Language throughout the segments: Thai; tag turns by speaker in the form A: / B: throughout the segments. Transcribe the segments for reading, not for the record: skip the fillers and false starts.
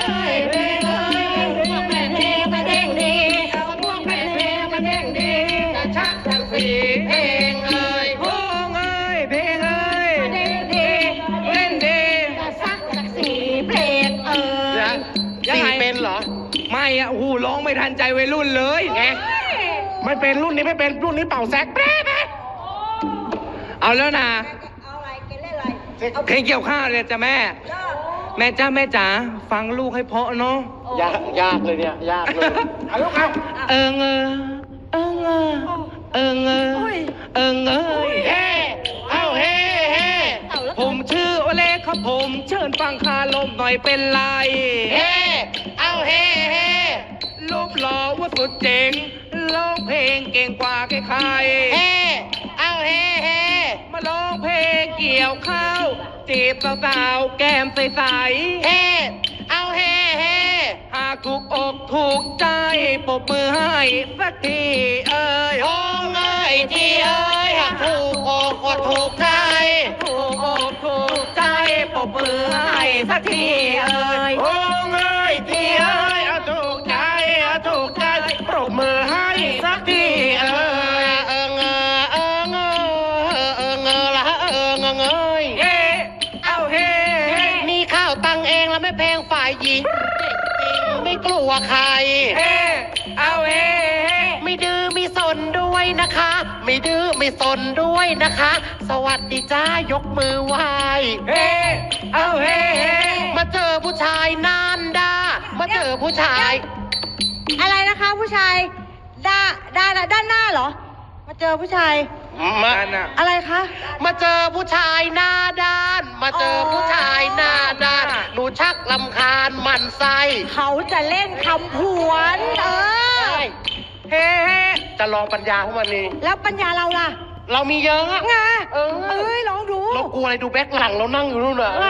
A: ยเพลงเอ้ยพวกแม่เพลงมาเด้งดีพวกแม่เพลงมาเด้งดีจะชักสักสีเพลงเอ้ยพวงเอ้ยเพลงเอ้ยมาเด้งดีเล่นดีจะชักสักสีเพลงเอ้ย
B: สี่เป็นเหรอ
A: ไม่อะโอ้โหร้องไม่ทันใจวัยรุ่นเลยไง
B: ไม่เป็นรุ่นนี้ไม่เป็นรุ่นนี้เป่าแซกแป๊ะ
A: เอาแล้วนะ
C: เอาอะไรเกเล่นอะไร
A: เพลงเกี่ยวข้าวเลยจ้ะแม่แม่จ้าแม่จ๋าฟังลูกให้เพาะเนาะ
B: ยากเลยเนี่ยยากเลยเอาลูกเอา
A: เอิงเอิงเอิงเอิงเอิงเอ้ย
B: เฮ้เอาเฮ้เฮ้
A: ผมชื่อโอเล่ครับผมเชิญฟังคาลมหน่อยเป็นไร
B: เฮ้เอาเฮ้เฮ้
A: รูปหล่อว่าสุดเจ๋งร้องเพลงเก่งกว่าใคร
B: เฮ้เอาเฮ้เฮ้
A: มาร้องเพลงเกี่ยวข้าวจีบสาวๆแก้มใส
B: ๆเฮ้เอาเฮ้เฮ้
A: หากถูกอกถูกใจปรบมือให้สักทีเอ้ย
B: โอ้เอ้ยที่เอ้ยหากถูกอกก็ถูกใจ
A: ถูกอกถูกใจปรบมือให้สักทีเอ้ย
B: โอ้เอ้ยที่เอ้ยถูกใจถูกใจปรบมือให้สักทีเอ้ยละเอ้ย
A: เฮ้เอาเฮ้
B: มีข้าวตังเองแล้วไม่เพลงฝ่ายหญิงไม่กลัวใคร
A: เฮ้เอาเฮ้
B: ไม่ดื้อไม่สนด้วยนะคะไม่ดื้อไม่สนด้วยนะคะสวัสดีจ้ายกมือไหว้
A: เฮ้เอาเฮ้
B: มาเจอผู้ชายนานด่ามาเจอผู้ชาย
C: อะไรนะคะผู้ชายด้านหน้าเหรอมาเจอผู้ชายอะไรคะ
B: มาเจอผู้ชายหน้าด้านมาเจอผู้ชายหน้าด้านหนูชักลำคาญมันไส้
C: เขาจะเล่นคำผวน
B: เฮ้จะลองปัญญาของมันนี่
C: แล้วปัญญาเราล่ะ
B: เรามีเยอะอะ
C: ไงลองดู
B: เรากลัวอะไรดูแบ็คหลังเรานั่งอยู่นู่นน่ะ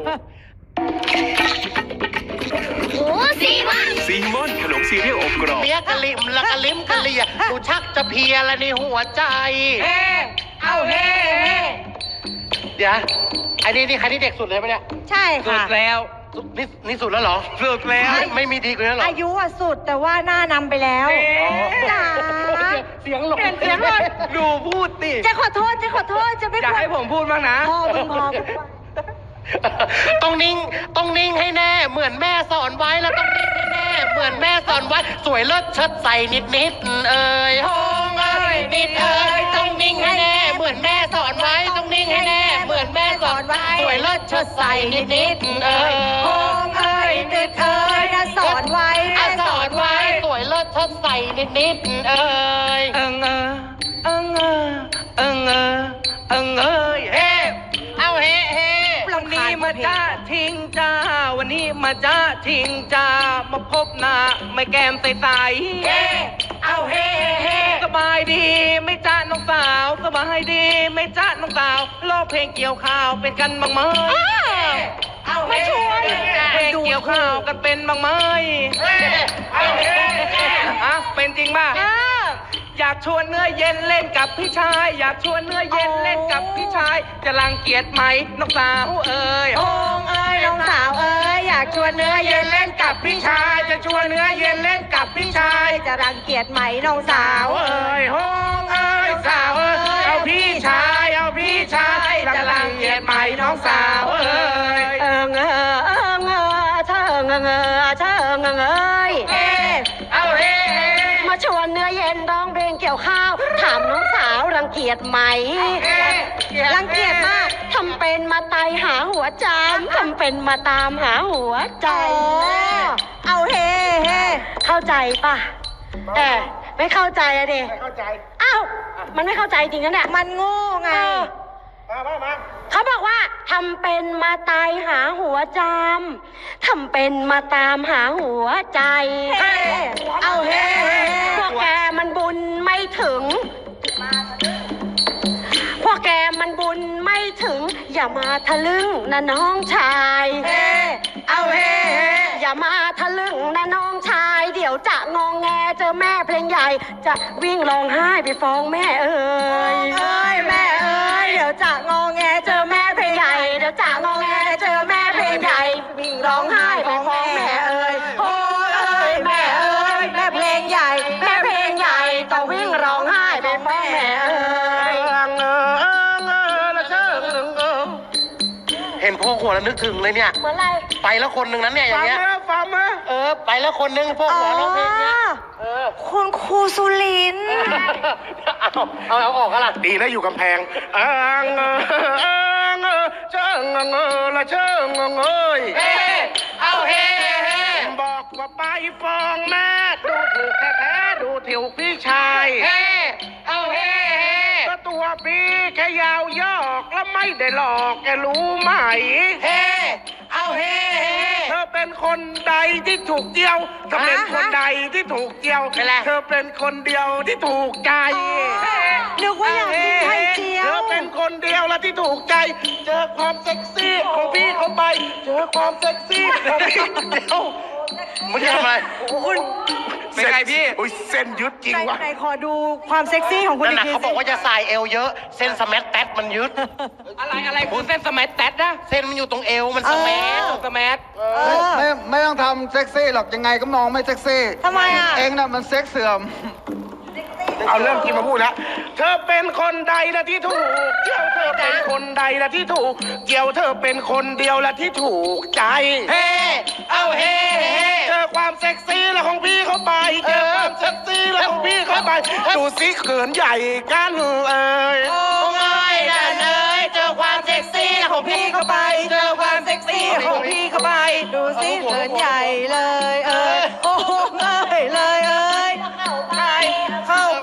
D: ซีมอนขนมซีเรียลอบกรอบ
B: เมียกะลิมละกะลิมกะเลียหนูชักจะเพียแล้วในหัวใจ
A: เอาเฮ้
B: เดี๋ยวไอ้นี่ใครที่เด็กสุดเลยปะเนี่ย
C: ใช่ค่ะ
A: สุดแล้ว
B: นี่สุดแล้วเหรอ
A: สุดแล้ว
B: ไม่มีดีกว่านั้นหรอ
C: อายุสุดแต่ว่าหน้านำไปแล้ว
B: เสียงหลง
C: เสียงหลง
A: ดูพูดติ
C: จะขอโทษจะไม่
A: อยากให้ผมพูดบ้างนะ
C: พอ
B: ต้องนิ่งให้แน่เหมือนแม่สอนไว้แล้วต้องนิ่งให้แน่เหมือนแม่สอนไว้สวยเลิศเชิดใส่นิดเอ้ย
A: โฮงเอ้ย
B: นิดเอ้ยต้องนิ่งให้แน่เหมือนแม่สอนไว้ต้องนิ่งให้แน่เหมือนแม่สอนไว้สวยเลิศเชิดใส่นิดเอ้ย
A: โฮงเอ้ยนิดเอ้ย
C: สอนไว้
B: สอนไว้สวยเลิศเชิดใส่นิดเอ้ย
A: เอ้ยเฮ้
B: เอาเฮ้
A: วันนี้มาจ้าทิ้งจ้าวันนี้มาจ้าทิ้งจ้ามาพบหน้าไม่แก้มใส
B: เอาเฮ้
A: สบายดีไม่จ้าน้องสาวสบายดีไม่จ้าน้องสาวร้องเพลงเกี่ยวข้าวเป็นกันบ้างไหม
B: เอาไม่ชวน
A: เพลงเกี่ยวข้าวกันเป็นบ้างไหมเป็นจริงป่ะอยากชวนเนื้อเย็นเล่นกับพี่ชายอยากชวนเนื้อเย็นเล่นกับพี่ชายจะรังเกียจไหมน้องสาวเอ้ย
C: โฮงเอ้ยน้องสาวเอ้ยอยากชวนเนื้อเย็นเล่นกับพี่ชาย
A: จะชวนเนื้อเย็นเล่นกับพี่ชาย
C: จะรังเกียจไหมน้องสาว
A: เอ้ยโฮงเอ้ยสาวเอ้ยเอาพี่ชายจะรังเกียจไหมน้องสาวเอ้ย
C: เชิงเอ้ย
A: เอาเฮ้
C: มาชวนเนื้อเย็นร้องเพลงเกี่ยวข้าวถามน้องสาวรังเกียจไหมรังเกียจมากทำเป็นมาตายหาหัวจามทำเป็นมาตามหาหัวใจเอาเฮ้เข้าใจป่ะไม่เข้าใจอะดิ
B: ไม่เข้าใจ
C: อ้าวมันไม่เข้าใจจริงนะเนี่ยมันโง่ไง
B: มา
C: เขาบอกว่าทำเป็นมาตายหาหัวจามทำเป็นมาตามหาหัวใจ
A: เอาเฮ้
C: พวกแกมันบุญไม่ถึงพวกแกมันบุญไม่ถึงอย่ามาทะลึ่งนะน้องชาย
A: เอาเฮ้
C: อย่ามาทะลึ่งนะน้องชายเดี๋ยวจะงองแงเจอแม่เพลงใหญ่จะวิ่งร้องไห้ไปฟ้องแม่เอ้ยแม่เอ้ยเดี๋ยวจะงองแงเจอแม่เพลงใหญ่เดี๋ยวจะงองแงเจอแม่เพลงใหญ่วิ่งร้องไห้ไปฟ้องแม่
B: นึกถึงเลยเนี่ย
C: เหมือนอะไร
B: ไปแล้วคนหนึ่งนั้นเนี่ยอย่างเงี้ย
A: ฟังมา
B: ไปแล้วคนหนึ่งพวกหัวร้องเพลงเนี้ย
C: คุณครูสุรินทร์
B: เอาออกกันล่ะ
A: ดีนะอยู่กำแพงเชิงละเชิงเอ้ย
B: เอาเฮ้
A: บอกว่าไปฟ้องแม่ดูถูกแท้ๆดูถิวพี่ชาย
B: เอาเฮ้
A: ก็ตัวพี่แค่ยาวยอกแล้วไม่ได้หลอกแกรู้ไหม
B: เอาเฮ้
A: เธอเป็นคนใดที่ถูกเจียวเธอเป็นคนใดที่ถูกเจียวเธอเป็นคนเดียวที่ถูกใจ
C: นึกว่าอยากกินไข่เจียว
A: เธอเป็นคนเดียวละที่ถูกใจ เจอความเซ็กซี่ของพี่เข้าไป เจอความเซ็กซี่ของพี่เดียว
B: มึงทำอะไร
C: คุณ
A: เป็นไงพี่อุ้ยเส้นยึดจริงวะ
C: ไหนขอดูความเซ็กซี่ของคุณ
B: นั่น
C: อีก
B: น่ะ
C: ที
B: เขาบอกว่าจะใส่เอวเยอะ เส้นสแมัทแตทมันยึด
A: อะไรคุณเส้นสมัยแตดนะ
B: เส้นมันอยู่ตรงเอวมันสแมัท
A: สมัย
E: ไม่ต้องทำเซ็กซี่หรอกยังไงก็มองไม่เซ็กซี่
C: ทำไมอ่ะ
E: เองน่ะมันเซ็กเสื่อม
A: เอาเรื่องจริงมาพูดแล้วเธอเป็นคนใดละที่ถูกเกี่ยวเธอเป็นคนใดละที่ถูกเกี่ยวเธอเป็นคนเดียวละที่ถูกใจ
B: เอาเฮ้
A: เจอความเซ็กซี่แล้วของพี่เข้าไปเจอความเซ็กซี่แล้วของพี่เข้าไปดูสิเขินใหญ่กันเอ่ย
B: โอ้ยดันเอ้ยเจอความเซ็กซี่ของพี่เข้าไป เจอความเซ็กซี่ของพี่เข้าไป
C: ดูสิเขินใหญ่เลยโอ้โหเอ้ยเลย
B: เข้าไป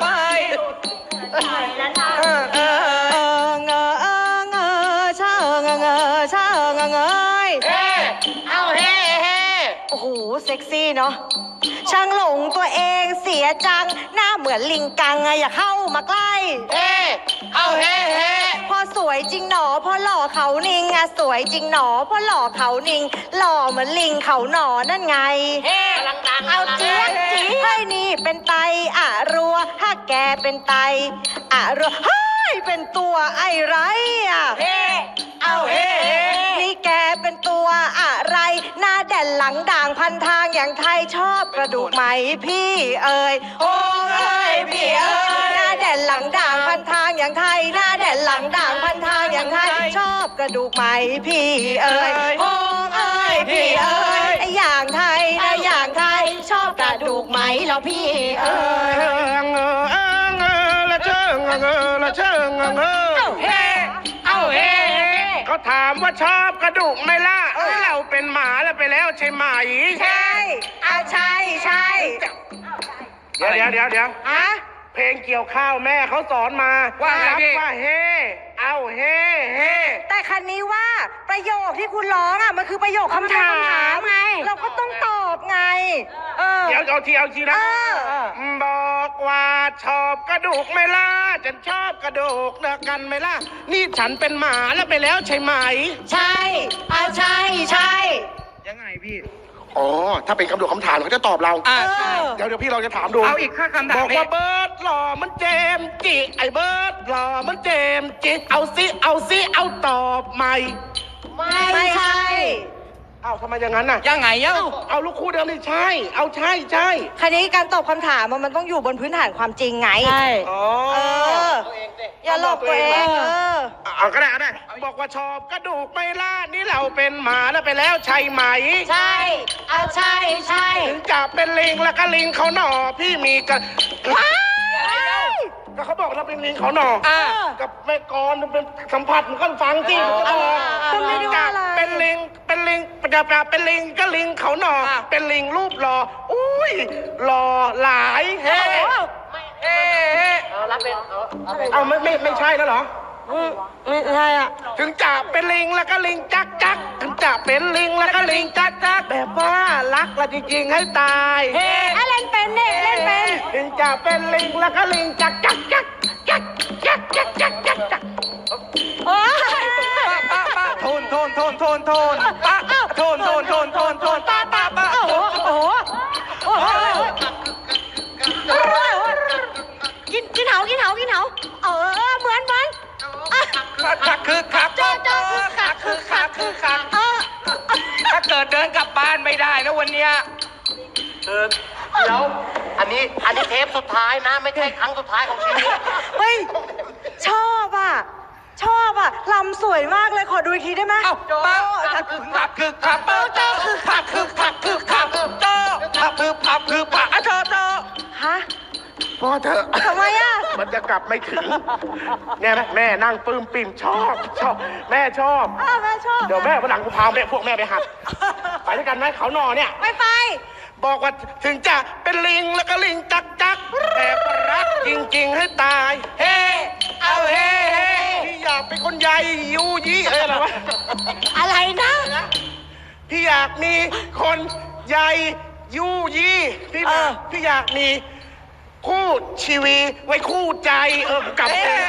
C: ชาเงย
B: เอาเฮ้เฮ้
C: โอ้โหเซ็กซี่เนาะช่างหลงตัวเองเสียจังหน้าเหมือนลิงกังอะอย่าเข้ามาใกล้
B: เอาเฮ้เฮ้
C: พอสวยจริงหนอพอหล่อเขานิงอะสวยจริงหนอพอหล่อเขานิงหล่อเหมือนลิงเขาหนอนั่นไง
B: กำลังดัง
C: เอาเจี๊ยบจีให้นี่เป็นไตอะรัวถ้าแกเป็นไตอะรัวเฮ้ยเป็นตัวไอ้ไรอะ
B: เอาเฮ้เฮ้
C: นี่แกเป็นตัวอะไรหน้าแด่นหลังด่างพันทางอย่างไทยชอบกระดูกไหมพี่เอ๋ยโอ้ยพี่เอ๋ยหน้าแด่นหลังด่างพันทางอย่างไทยหน้าแด่นหลังด่างพันทางอย่างไทยชอบกระดูกไหมพี่เอ๋ยโอ้ยพี่เอ๋ยไอ้อย่างไทยนะอย่างไทยชอบกระดูกไหมเหรอพี่เอ๋ย
A: ละเชิงละเชิงเฮ้เอาเฮ้เขาถามว่าชอบกระดูกไหมล่ะเราเป็นหมาแล้วไปแล้วใช่ไหม
C: ใช่ใช่
A: เดี๋ยว
C: ฮะ
A: เพลงเกี่ยวข้าวแม่เขาสอนมาว่ารับว่าเฮ้เอาเฮ้เฮ้
C: แต่คันนี้ว่าประโยคที่คุณร้องอ่ะมันคือประโยคคำถามไง เราก็ต้องตอบไง
A: เดี๋ยวเอาทีนะบอกว่าชอบกระดูกไหมล่ะฉันชอบกระดูกเนอะกันไหมล่ะนี่ฉันเป็นหมาแล้วไปแล้วใช่ไหม
C: ใช่ใช่
A: ยังไงพี่อ๋อถ้าเป็นคำดูคำถามเขาจะตอบเราเดี๋ยวพี่เราจะถามดูเอาอีกคำถามบอกว่าเบิร์ดหล่อมันเจมส์จิไอ้เบิร์ดหล่อมันเจมส์จิเอาซิเอาตอบใหม่
C: ไม่ใช่
A: เอ้าทำไมอย่างนั้นน่ะยังไงเอาลูกคู่เดิมนี่ใช่เอาใช่
C: คันนี้การตอบคำถามมันต้องอยู่บนพื้นฐานความจริงไงใช่
A: อ๋อ
C: อย่าหลอกตัวเอง
A: เอาก็ได้บอกว่าชอบกระดูกไม่ล่ะนี่เราเป็นหมาแล้วไปแล้วใช่ไหม
C: ใช่ใช่
A: ถึงจะเป็นลิงแล้วก็ลิงเขาหน่อพี่มีกันก็เขาบอกเราเป็นลิงเขาหน่อกับแม่กรเป็นสัมผัสมันก็ฟังสิมันก็บอก
C: คุณไม่รู้อะไร
A: เป็นลิงจะเป็นลิงก็ลิงเขาหน่อเป็นลิงรูปหล่ออุ้ยหล่อหลายเฮ้
B: รับเป็น
A: เอาไม่ใช่แล้วเหรอ
C: ไม่ใช่อ่ะ
A: ถึงจะเป็นลิงแล้วก็ลิงจักถึงจะเป็นลิงแล้วก็ลิงจักแบบว่ารักละจริงๆให้ตาย
C: เล่นเป็นเนี่ยเล่นเป็น
A: ถึงจะเป็นลิงแล้วก็ลิงจัก
C: โอ้ย
A: โทนป้าโอ้โห
C: กินเหาเหมือนคักคือคัก
A: ถ้าเกิดเดินกลับบ้านไม่ได้นะวันเนี้ย
B: เดี๋ยวอันนี้เทปสุดท้ายนะไม่ใช่ครั้งสุดท้ายของชีวิต
C: เฮ้ยชอบอ่ะชอบอ่ะลำสวยมากเลยขอดูอีกทีได้ไหม
A: เอ้าป้าคือขับคือขับเป้าเจ้าคือขับคือขับคือขับเจ้าขับคือขับคือปะเจ้า
C: ฮะ
B: พ่อเธอะ
C: ทำไมอ่ะ
B: มันจะกลับไม่ถึงเนี่ยไหมแม่นั่งปลื้มปิ่มชอบแม่ชอบ
C: แม่ชอบ
B: เดี๋ยวแม่วันหลังกูพาพวกแม่ไปหัดไปด้วยกันไหมเขาหนอเนี่ย
C: ไม่ไป
B: บอกว่าถึงจะเป็นลิงแล้วก็ลิงจักแต่ก็รักจริงๆให้ตาย เฮ้เอาเฮ้พี่อยากเป็นคนใหญ่ยูยี่อะไรวะ
C: อะไรนะ
B: พี่อยากมีคนใหญ่ยูยี่พี่อยากมีคู่ชีวิตไว้คู่ใจกับ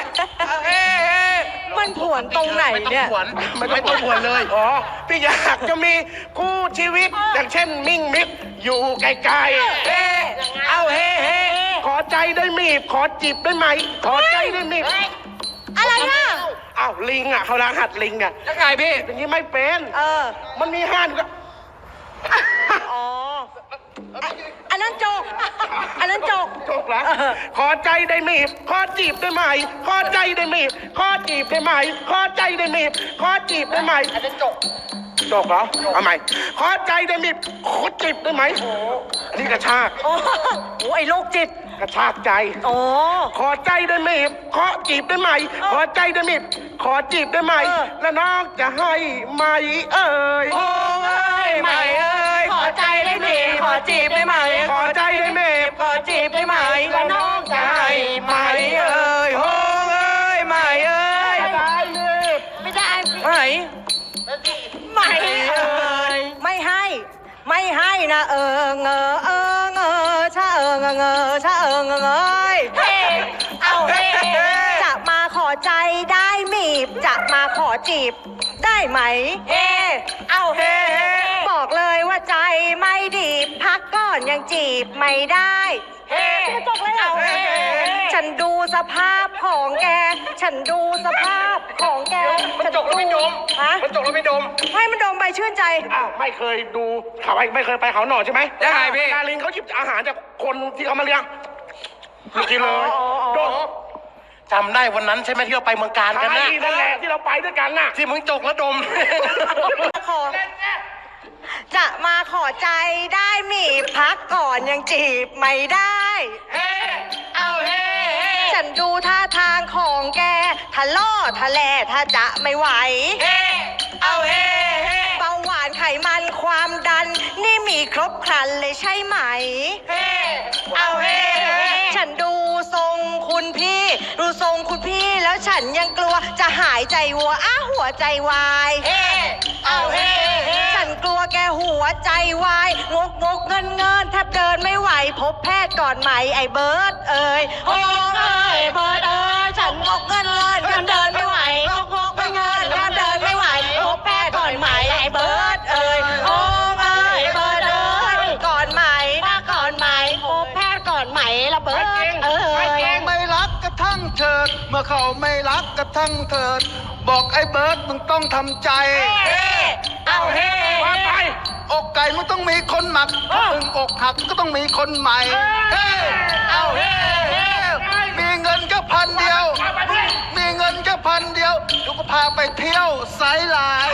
C: มันผวนตรงไหนเนี่ย
B: ไม่ต้องผวนเลยอ๋อพี่อยากจะมีคู่ชีวิตอย่างเช่นมิ่งมิกอยู่ไกลๆเอาเฮ้ขอใจได้มีบขอจีบได้ไหมขอใจได้มีบ
C: อะไรนะ
B: อ้าวลิงอ่ะเขาล้างหัดลิงอ่ะ
A: ยังไงพี่
B: อย่างนี้ไม่เป็น มันมีห้านก็
C: อ๋อ อันนั้นโจก อันนั้นโจก
B: จบแล้วขอใจได้มีบขอจีบได้ไหมขอใจได้มีบขอจีบได้ไหมขอใจได้มีบขอจีบได้ไหมอันนี้จบเหรอเอาใหม่ขอใจได้มีบขอจีบได้ไหมอันนี้กระชาก
C: โอ้โหไอ้โรคจิต
B: กระชากใจ
C: โอ้
B: ขอใจได้ไหมขอจีบได้ไหมขอใจได้ไหมขอจีบได้ไหมแล้วน้องจะให้ไหมเอ่ย
A: โอ้ยไม่เอ้ยขอใจได้ไหมขอจีบได้ไหม
B: ขอใจได้ไหม
A: ขอจีบได้ไหมแล้วน้องจะให้ไหมเอ้ยโอ้ยไม่เอ้ย
B: ได้เลย
C: ไม่ได้
A: ไม่
C: ไม่เอ้ยไม่ให้ ไม่ให้นะเงอชะเงอชะเงยเฮ้เอาเฮ้จะมาขอใจได้มีบจะมาขอจีบได้ไหมเฮ้เอาเฮ้บอกเลยว่าใจไม่ดีพักก่อนยังจีบไม่ได้เฮ้จบเลยเอาเฮ้ฉันดูสภาพของแก ฉันดูสภาพของแก
B: มันจกแล้วไม่ดม
C: ฮะ
B: มันจกแล้วไม่ดม
C: ให้มันดมไปชื่นใจ
B: อ้าวไม่เคยดูเขาไม่เคยไปเขาหน่อใช่ไหม
A: ยังไงพี่
B: ดาริงเขาหยิบอาหารจากคนที่เขามาเลี้ยงไม่กินเลยดมจำได้วันนั้นใช่ไหมที่เราไปเมืองการกันนะนั่นแหละที่เราไปด้วยกันน่ะที่มึงจกแล้วดม
C: ขอจะมาขอใจได้มีพักก่อนยังจีบไม่ได้
A: เอาเฮ้
C: ฉันดูท่าทางของแกทะล่อทะแลถ้าจะไม่ไหว
A: เอาเฮ้
C: เบาหวานไขมันความดัน นี่มีครบครันเลยใช่ไหม
A: เอาเฮ้
C: ฉันดูทรงคุณพี่ ดูทรงคุณพี่แล้วฉันยังกลัวจะหายใจวัวหัวใจวาย
A: เอาเฮ้
C: ฉันกลัวแกหัวใจวายงกเงินแทบเดินไม่ไหวพบแพทย์ก่อนไหมไอ้เบิร์ดเอ้ยโอ้ยเบิร์ดเอ้ยฉันงกเงินเดินไม่ไหวงกเงินแทบเดินไม่ไหวพบแพทย์ก่อนไหมไอ้เบิร์ดเอ้ยโอ้ยเบิร์ดเอ้ยก่อนไหมถ้าก่อนไหมพบแพทย์ก่อนไหมละเบิร์ดเอ้ย
E: ไม่รักกระทั่งเถิด เมื่อเขาไม่รักกระทั่งเถิด บอกไอ้เบิร์ดมึงต้องทำใจ
A: เอาเฮ้
B: ว่าไป
E: อกไก่มึงต้องมีคนหมักถ้ามึงอกหักก็ต้องมีคนใหม่
A: เอาเฮ้
E: มีเงินแค่พันเดียว มีเงินแค่พันเดียวเดี๋ยวก็พาไปเที่ยวไซด์ไลน์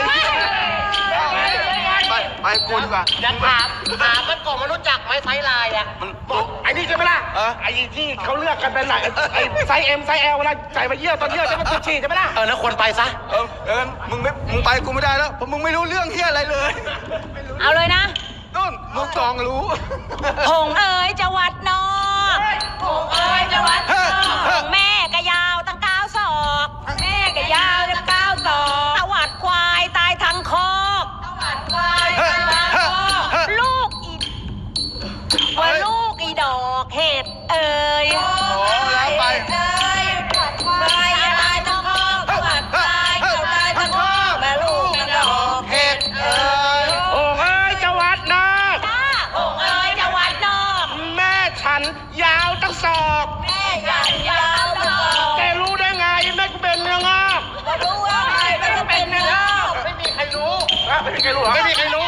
E: ไปกูดีกว่า
B: ยังถามมันก่อนมันรู้จักไหมไซส์ไลน์อ่ะมันบอกไอ้นี่ใช่ไหมล่ะไอ้ที่เขาเลือกกันเป็นไหนไอ้ไซส์ M ไซส์ L เวลาใส่มาเยี่ยวตอนเยี่ยวจะมันปวดฉี่ใช่ไหมล่ะแล้วควรไปซะ
E: มึงไปกูไม่ได้แล้วเพราะมึงไม่รู้เรื่องเฮียอะไรเลย
C: เอาเลยนะ
E: นู่นมึงจองรู้
C: หงเอ๋ยจะวัดนอกหงเอ๋ยจะวัดนอกหงแม่ก็ยาวตั้ง9 ศอก แม่ก็ยาวตั้ง9 ศอกตวัดควายตายทั้งคอกตวัดควายตายทั้งคอกลูกอีว่าลูกอีดอกเห็ดเอ๋ย
E: แล้วไป
C: เอ๋ยตวัดควายตายทั้งคอกตวัดควายตายทั้งคอกแม่ลูกอีดอกเห็ดเอ๋ย
B: โอ้ยจะวัดนะ
C: จ้าหงเอ๋ยจะวัดนอก
B: แม่ฉันยาวตั้งศอก
C: แม่ใหญ่ยาวตลอด
B: แกรู้ได้ไงแม่กูเป็นเนื้องอก
C: ก็รู้ว่าใครมันจะเป็นเนื้อ
B: ไม่มีใครรู้ไม่มีใครรู้เหรอไม่มีใครรู้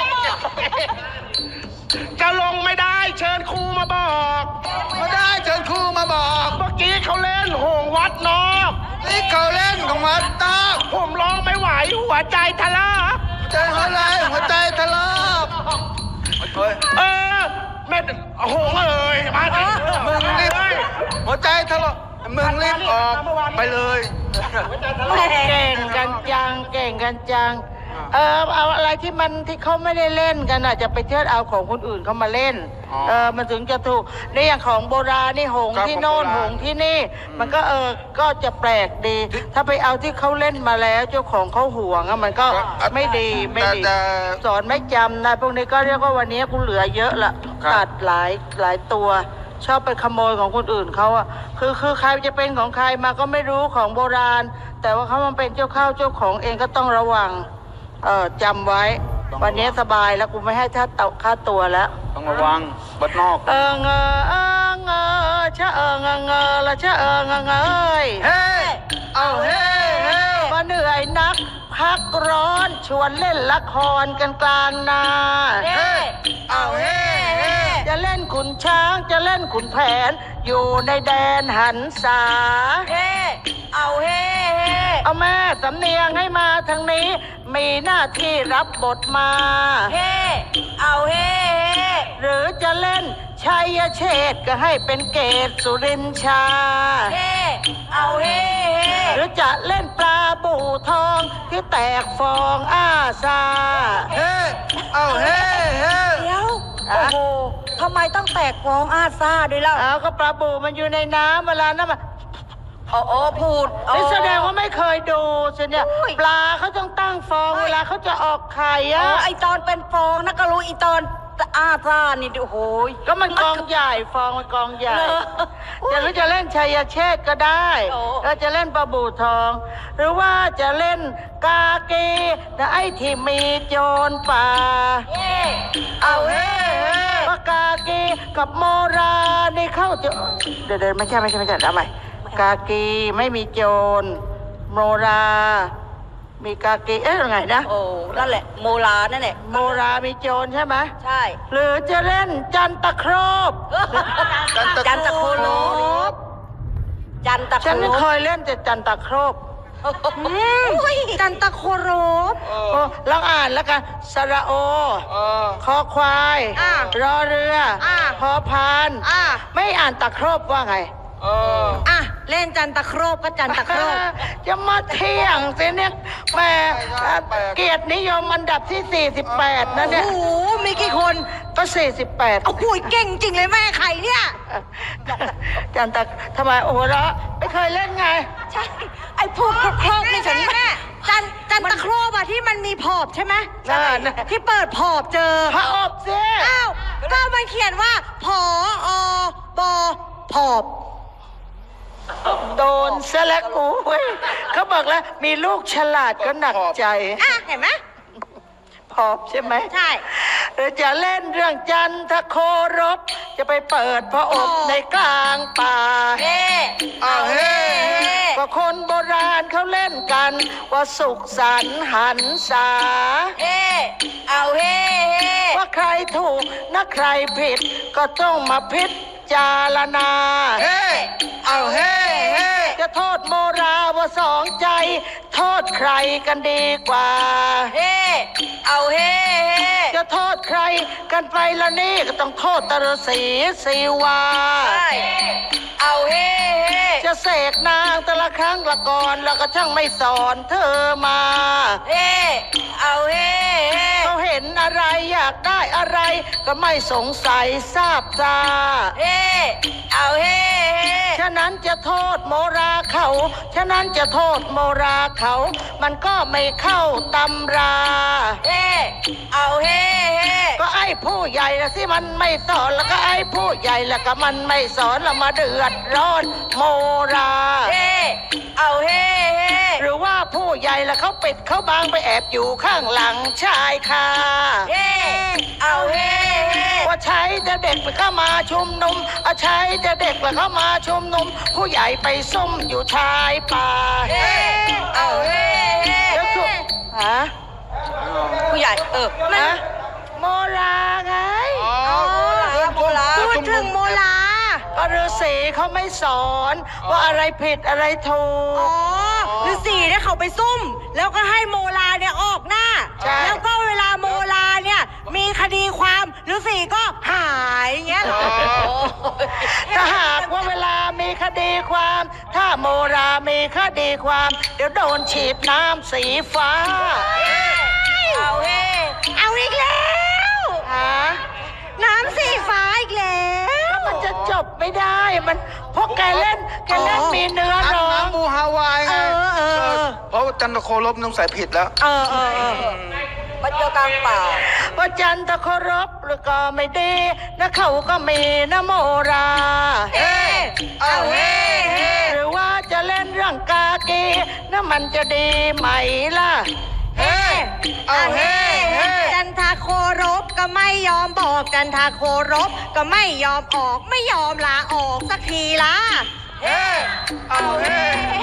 B: จะลงไม่ได้เชิญครูมาบอก
E: มาได้เชิญครูมาบอก
B: เมื่อกี้เขาเล่นโหงวัดนอก
C: เ
E: นี่เขาเล่นของมาตา
B: ผมร้องไม่ไหวหัวใจทะลัก
E: ใจหัวใจทะลักเฮ้ย
B: แม่โอ้โหเอ้ยมาดิ
E: มึงรีบหัวใจทะลักมึงรีบออกไปเลย
A: เก่งกันจังเก่งกันจังเอาอะไรที่เขาไม่ได้เล่นกันอ่ะจะไปเชิดเอาของคนอื่นเขามาเล่นมันถึงจะถูกในอย่างของโบราณนี่หงส์ที่โน่นหงส์ที่นี่ มันก็ก็จะแปลกดี ถ้าไปเอาที่เขาเล่นมาแล้วเจ้าของเขาห่วงอะมันก็ไม่ดีไม่ดีสอนไม่จำนะพวกนี้ก็เรียกว่าวันนี้กูเหลือเยอะละตัดหลายตัว ชอบไปขโมยของคนอื่นเขาอะคือใครจะเป็นของใครมาก็ไม่รู้ของโบราณ แต่ว่าเขามันเป็นเจ้าเข้าเจ้าของเองก็ต้องระวังจำไว้วันนี้สบายแล้วกูไม่ให้ค่าตัวแล้ว
E: ต้องระวังบัดนอก
A: เงชะเงละชะเงย
E: เฮ้เอาเฮ้เฮ้
A: มาเหนื่อยนักพักร้อนชวนเล่นละครกันกลางนา
E: เฮ้เอาเฮ้เฮ้
A: จะเล่นขุนช้างจะเล่นขุนแผน อยู่ในแดนหันษาเอาแม่สำเนียงให้มาทางนี้ มีหน้าที่รับบทมาหรือจะเล่นชัยเชษฐ์ก็ให้เป็นเกตสุรินชาหรือจะเล่นปลาบู่ทองที่แตกฟองอ้าซา
E: เฮ้เอาเฮ้เฮ้
C: เดี๋ยว โอ้โหทำไมต้องแตกฟองอาซาด้วยล่ะ
A: เอาก็ปลาบู่มันอยู่ในน้ำเวลานั้นมัน
C: พูด
A: นี่แสดงว่าไม่เคยดูสิเนี่ย ปลาเขาต้องตั้งฟองเวลาเขาจะออกไข่อะ
C: ไอตอนเป็นฟองนะก็รู้อีตอนอาซานี่โอ้โห
A: ก็มันกองใหญ่ฟองมันกองใหญ่
C: เหรอ
A: จะหรือจะเล่นชัยเชษฐ์ก็ได้
C: โอ้
A: แล้วจะเล่นปลาบู่ทอง หรือว่าจะเล่นกาเกแต่ไอ้ที่มีโจรป่า
E: เอาเฮ้เฮ้
A: ปากากีกับโมรานี่เข้าจะเดี๋ยวไม่ใช่เอาใหม่กากีไม่มีโจรโมรามีกากียังไงนะ
C: โอ้นั่นแหละโมลานั่นแหละ
A: โมรามีโจรใช่ไหม
C: ใช่
A: หรือจะเล่นจันตะครบ
C: จันตะโคโลจันตะโค
A: ฉัน
C: โล
A: ไม่เคยเล่นแต่จันตะครบ
C: จันตะโคโรบ
A: โอ้ลองอ่านแล้วกันสระโอ คอควาย รอเรืออพอพาน ไม่อ่านตะครบว่าไง
C: เล่นจันตะโครบก็จันตะโครบ
A: จะมาเที่ยงสิเนี่ยแหม่เกียรตินิยมอันดับที่ 48 นะเนี่ย
C: โอ้โหมีกี่คน
A: ก็ 48
C: โอ้โหเก่งจริงเลยแม่ไข่เนี่ย
A: จันตะทำไมโอ้โหแล้วไม่เคยเล่นไง
C: ใช่ ไอ้พวกโครบนี่ฉันแม่จันตะโครบอะที่มันมีพอบใช่ไหม
A: น่า
C: ที่เปิดพอบเจอ
A: พระอบสิ
C: อ้าวก็มันเขียนว่าผอบอพอบ
A: โดนซะแล้วโอ้ยเขาบอกแล้วมีลูกฉลาดก็หนักใจ
C: เห็นไหม
A: พอบใช่ไหม
C: ใช่
A: หรือจะเล่นเรื่องจันทโครบ จะไปเปิดพระอบในกลางป่า
E: เอาเฮ้เฮ้
A: ว่าคนโบราณเขาเล่นกัน ว่าสุขสันต์หันษา ว่าใครถูกนะใครผิด ก็ต้องมาพิจารณา
E: เฮ้เอาเฮ้เฮ้
A: จะโทษโมราว่าสองใจ โทษใครกันดีกว่า จะโทษใครกันไปละนี่ก็ต้องโทษตรศรีสีวา จะเสกนางแต่ละครั้งละก่อนแล้วก็ช่างไม่สอนเธอมาเขาเห็นอะไรอยากได้อะไร ก็ไม่สงสัยทราบซาฉะนั้นจะโทษโมราเขา ฉะนั้นจะโทษโมราเขา มันก็ไม่เข้าตำรา ก็ไอ้ผู้ใหญ่ละสิมันไม่สอนแล้วก็ไอ้ผู้ใหญ่ละก็มันไม่สอนแล้วมาเดือดร้อนโมรา หรือว่าผู้ใหญ่ละเขาปิดเขาบางไปแอบอยู่ข้างหลังชายคาว่าใช้จะเด็กไปเข้ามาชุมนุมใช้จะเด็กไปเข้ามาชุมนุม ผู้ใหญ่ไปซุ่มอยู่ชายป่าแล้วถูกฮะ
C: ผู้ใหญ่มัน
A: ฮะโมราไง
C: โมลาพูดถึงโมลา
A: ก็ว่าฤาษีเขาไม่สอนว่าอะไรผิดอะไรถูก
C: อ๋อฤาษีเนี่ยเขาไปซุ่ม แล้วก็ให้โมลาเนี่ยออกหน้า
A: ใช่
C: แล้วก็เวลาโมลาเนี่ยมีคดีความฤาษีก็หายอย่างเงี้ยเหรอ
A: ถ้าหากว่าเวลามีคดีความ ถ้าโมรามีคดีความ เดี๋ยวโดนฉีดน้ำสีฟ้า
C: เอาเฮ้เอาอีกแล้วน้ำสีฟ้าอีกแล้ว
A: มันจะจบไม่ได้ มันเพราะแกเล่นมีเนื้อร้อง
E: น้ำบูฮาวายไง เพราะว่าจันทโคลบน้องใส่ผิดแล้ว
C: มันเจอกลางป่า
A: ว่าจันทเคารพหรือก็ไม่ดีนะเขาก็มีนะโมรา
C: เฮ้เอาเฮ้เฮ้
A: หรือว่าจะเล่นเรื่องกากีนะมันจะดีไหมล่ะ
C: เฮ้เอาเฮ้เฮ้จันทาโครบก็ไม่ยอมบอกจันทาโครบก็ไม่ยอมออกไม่ยอมลาออกสักทีละเฮ้เอาเฮ้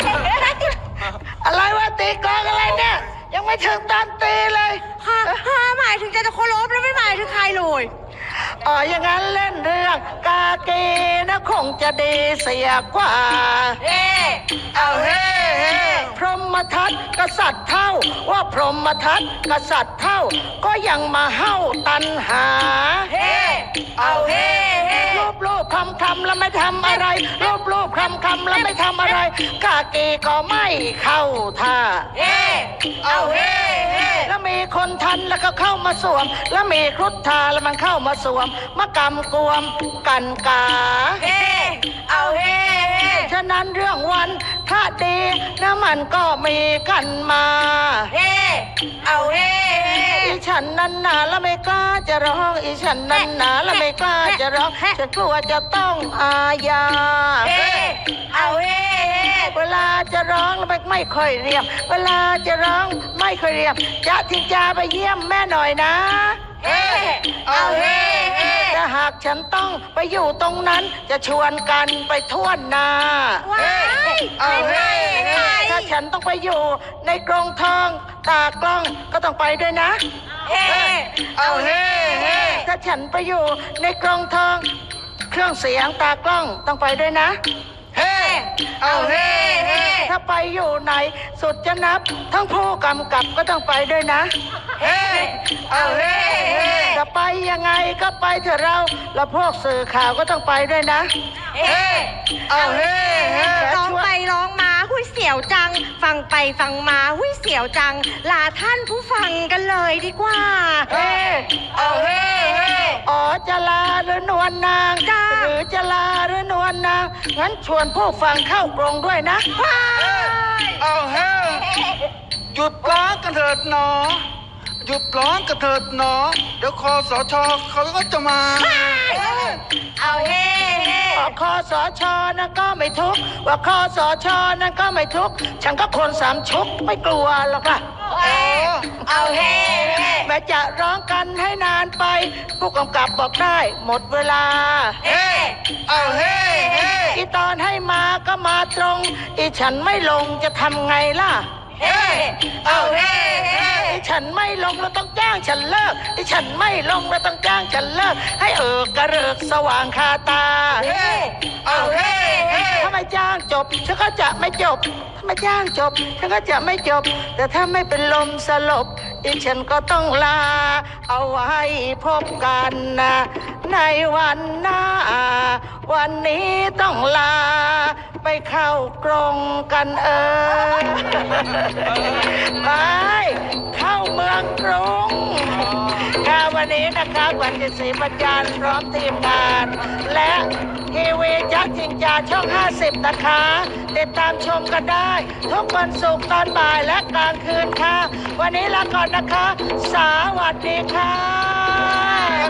A: อะไรวะตีกลองอะไรเนี่ย ยังไม่ถึงตอนตีเลย
C: ค่ะหมายถึงจันทาโครบแล้วไม่หมายถึงใครเลย
A: อ๋ออย่างนั้นเล่นเรื่องกากีนะคงจะดีเสียกว่า
C: เฮ้เอาเฮ้เฮ้
A: พรหมทัตกษัตริย์เท่าว่าพรหมทัตกษัตริย์เท่า ก็ยังมาเฮ้าตันหา
C: เฮ้เอาเฮ้เฮ้
A: รูปคำแล้วไม่ทำอะไรรูปคำแล้วไม่ทำอะไรกากีก็ไม่เข้าท่า
C: เฮ้เอาเฮ้เฮ้
A: แล้วมีคนทันแล้วก็เข้ามาสวม แล้วมีครุฑทาแล้วมันเข้ามาสวมมากำกวมกันกา
C: เฮ้เอาเฮ้เฮ้
A: ฉะนั้นเรื่องวันถ้าดีนะมันก็มีกันมา
C: เฮ้เอาเฮ้เฮ้
A: อีฉันนั้นหนาแล้วไม่กล้าจะร้องอีฉันนั้นหนาแล้วไม่กล้าจะร้องฉันกลัวจะต้องอาญา
C: เฮ้เอาเฮ้เฮ้
A: เวลาจะร้องแล้วไม่ค่อยเรียบ เวลาจะร้องไม่ค่อยเรียบจะทิงจาไปเยี่ยมแม่หน่อยนะ
C: เฮ้เอาเฮ้เฮ้
A: ถ้าหากฉันต้องไปอยู่ตรงนั้นจะชวนกันไปทั่วนา
C: ว้ายเอาเฮ้เฮ้
A: ถ้าฉันต้องไปอยู่ในกรงทองตากล้องก็ต้องไปด้วยนะ
C: เฮ้เอาเฮ้เฮ้
A: ถ้าฉันไปอยู่ในกรงทอง เครื่องเสียงตากล้องต้องไปด้วยนะ
C: เฮ้เอาเฮ้เฮ้
A: ถ้าไปอยู่ไหนสุดจะนับ ทั้งผู้กำกับก็ต้องไปด้วยนะ
C: เฮ้เอาเฮ้เฮ้
A: จะไปยังไงก็ไปเถอะเราแล้วพวกสื่อข่าวก็ต้องไปด้วยนะ
C: เฮ้เอาเฮ้เฮ้ร้องไปร้องมาหุ้ยเสียวจัง ฟังไปฟังมาหุ้ยเสียวจัง ลาท่านผู้ฟังกันเลยดีกว่า
A: เฮ้เอาเฮ้เฮ้อ๋อจะลาหรือนวลนาง
C: จ้า
A: หรือจะลาหรือนวลนางงั้นชวนผู้ฟังเข้ากรงด้วยนะ
C: ว้าย
E: เอาเฮ้หยุดร้องกันเถิดหนอ หยุดร้องกันเถิดหนอ เดี๋ยวคอสชเขาก็จะมา
C: เอาเฮ้เฮ้
A: ว่าคอสชนั่นก็ไม่ทุกข์ว่าคอสชนั่นก็ไม่ทุกข์ฉันก็คนสามชุกไม่กลัวหรอกล่ะ
C: เอาเฮ้เฮ้
A: แม้จะร้องกันให้นานไป ผู้กำกับบอกได้หมดเวลา
C: เฮ้เอาเฮ้เฮ้
A: อีตอนให้มาก็มาตรง อีฉันไม่ลงจะทำไงล่ะ
C: เฮ้เอาเฮ้เฮ้
A: อีฉันไม่ลงเราต้องจ้างฉันเลิกอีฉันไม่ลงเราต้องจ้างฉันเลิกให้กระเริกสว่างคาตา
C: เฮ้เอาเฮ้เฮ้
A: ถ้าไม่จ้างจบฉันก็จะไม่จบถ้าไม่จ้างจบฉันก็จะไม่จบ แต่ถ้าไม่เป็นลมสลบอีฉันก็ต้องลา เอาไว้พบกันนะในวันหน้า วันนี้ต้องลา ไปเข้ากรงกันไปเข้าเมืองกรุงค่ะวันนี้นะคะวันที่ศรีประจันทร์พร้อมทีมงาน และทีวีจักรจิงจาช่อง 50 นะคะ ติดตามชมกันได้ ทุกวันศุกร์ตอนบ่ายและกลางคืนค่ะ วันนี้ลาก่อนนะคะ สวัสดีค่ะ